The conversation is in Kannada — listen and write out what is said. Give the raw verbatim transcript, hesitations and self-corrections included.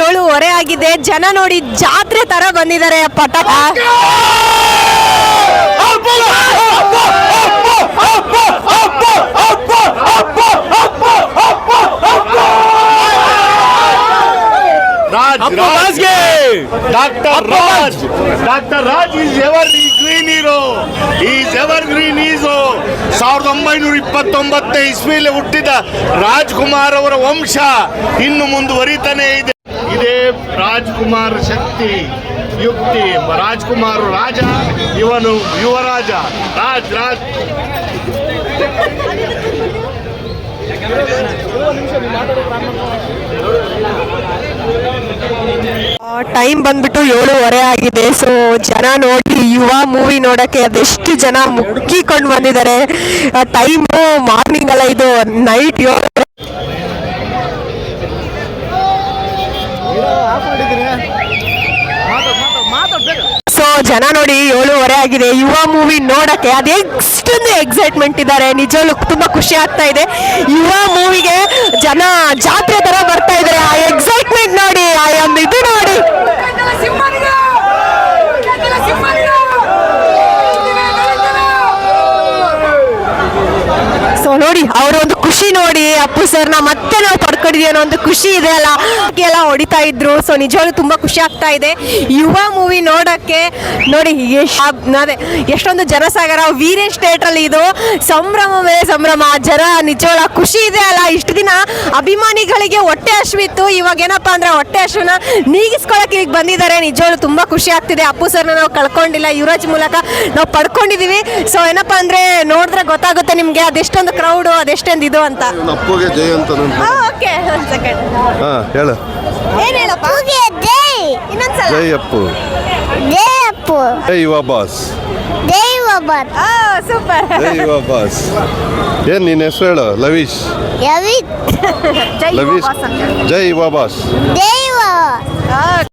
ಏಳುವರೆ ಆಗಿದೆ. ಜನ ನೋಡಿ ಜಾತ್ರೆ ತರ ಬಂದಿದ್ದಾರೆ. ಪಟಾಕ Raj, Raj, Doctor Raj, Doctor Raj is evergreen hero. He is evergreen hero. ಸಾವಿರದ ಒಂಬೈನೂರ ಇಪ್ಪತ್ತೊಂಬತ್ತನೇ ಇಸ್ವಿಯಲ್ಲಿ ಹುಟ್ಟಿದ ರಾಜ್ಕುಮಾರ್ ಅವರ ವಂಶ ಇನ್ನು ಮುಂದುವರಿತಾನೆ ಇದೆ. ಇದೇ ರಾಜ್ಕುಮಾರ್ ಶಕ್ತಿ ಯುಕ್ತಿ. ರಾಜ್ಕುಮಾರ್ ರಾಜ, ಇವನು ಯುವರಾಜ. ರಾಜ್ ರಾಜ್ ಟೈಮ್ ಬಂದ್ಬಿಟ್ಟು ಏಳುವರೆ ಆಗಿದೆ. ಸೊ ಜನ ನೋಡಿ ಯುವ ಮೂವಿ ನೋಡಕ್ಕೆ ಅದೆಷ್ಟು ಜನ ಮುಕ್ಕಿಕೊಂಡು ಬಂದಿದ್ದಾರೆ. ಟೈಮು ಮಾರ್ನಿಂಗ್ ಅಲ್ಲ, ಇದು ನೈಟ್ ಏಳು. ಸೊ ಜನ ನೋಡಿ ಏಳುವರೆ ಆಗಿದೆ. ಯುವ ಮೂವಿ ನೋಡಕ್ಕೆ ಅದೇ ಎಷ್ಟೊಂದು ಎಕ್ಸೈಟ್ಮೆಂಟ್ ಇದ್ದಾರೆ. ನಿಜವಾಗ್ಲೂ ತುಂಬಾ ಖುಷಿ ಆಗ್ತಾ ಇದೆ. ಯುವ ಮೂವಿಗೆ ಜನ ಜಾತ್ರೆ ತರ ಬರ್ತಾ ಇದ್ದಾರೆ. ಆ ಎಕ್ಸೈಟ್ಮೆಂಟ್ ನೋಡಿ, ಆ ಒಂದು ಇದು ನೋಡಿ. ಸೊ ನೋಡಿ ಅವರ ಒಂದು ಖುಷಿ ನೋಡಿ, ಅಪ್ಪು ಸರ್ನ ಮತ್ತೆ ನಾವು ಪಡ್ಕೊಂಡಿದ್ದೀವಿ ಅನ್ನೋ ಒಂದು ಖುಷಿ ಇದೆ ಅಲ್ಲ, ಎಲ್ಲ ಹೊಡಿತಾ ಇದ್ರು. ಸೊ ನಿಜವಾಗ್ಲೂ ತುಂಬಾ ಖುಷಿ ಆಗ್ತಾ ಇದೆ ಯುವ ಮೂವಿ ನೋಡಕ್ಕೆ. ನೋಡಿ ಅದೇ ಎಷ್ಟೊಂದು ಜನಸಾಗರ. ವೀರೇಶ್ ಥಿಯೇಟರ್ ಅಲ್ಲಿ ಇದು ಸಂಭ್ರಮವೇ ಸಂಭ್ರಮ. ಜನ ನಿಜವಾಗ್ಲೂ ಖುಷಿ ಇದೆ ಅಲ್ಲ. ಇಷ್ಟು ದಿನ ಅಭಿಮಾನಿಗಳಿಗೆ ಹೊಟ್ಟೆ ಹಸಿವಿತ್ತು, ಇವಾಗ ಏನಪ್ಪಾ ಅಂದ್ರೆ ಹೊಟ್ಟೆ ಹಸಿವನ್ನ ನೀಗಿಸ್ಕೊಳಕ್ಕೆ ಈಗ ಬಂದಿದ್ದಾರೆ. ನಿಜವಾಗ್ಲೂ ತುಂಬಾ ಖುಷಿ ಆಗ್ತಿದೆ. ಅಪ್ಪು ಸರ್ನ ನಾವು ಕಳ್ಕೊಂಡಿಲ್ಲ, ಯುವರಾಜ್ ಮೂಲಕ ನಾವು ಪಡ್ಕೊಂಡಿದೀವಿ. ಸೊ ಏನಪ್ಪಾ ಅಂದ್ರೆ ನೋಡಿದ್ರೆ ಗೊತ್ತಾಗುತ್ತೆ ನಿಮ್ಗೆ ಅದೆಷ್ಟೊಂದು ಕ್ರೌಡ್, ಅದೆಷ್ಟೊಂದು ಇದು ಅಂತ. ಅಪ್ಪುಗೆ ಜೈ ಅಂತ. ಓಕೆ, ಒಂದು ಸೆಕೆಂಡ್. ಹಾ ಹೇಳು. ಏನ್ ಹೇಳಪ್ಪ? ಇನ್ನೊಂದ್ಸಲ. ಜೈ ಅಪ್ಪು. ಜೈ ಅಪ್ಪು. ಜೈ ಯುವ ಬಾಸ್. ಜೈ ಯುವ ಬಾಸ್. ಆ ಸೂಪರ್. ಜೈ ಯುವ ಬಾಸ್. ಏನ್ ನಿನ್ನ ಹೆಸರು ಹೇಳು? ಲವೀಶ್. ಲವೀಶ್. ಜೈ ಯುವ ಲವೀಶ್. ಬಾಸ್ ಅಂತ. ಜೈ ಯುವ ಬಾಸ್. ಜೈ ಯುವ.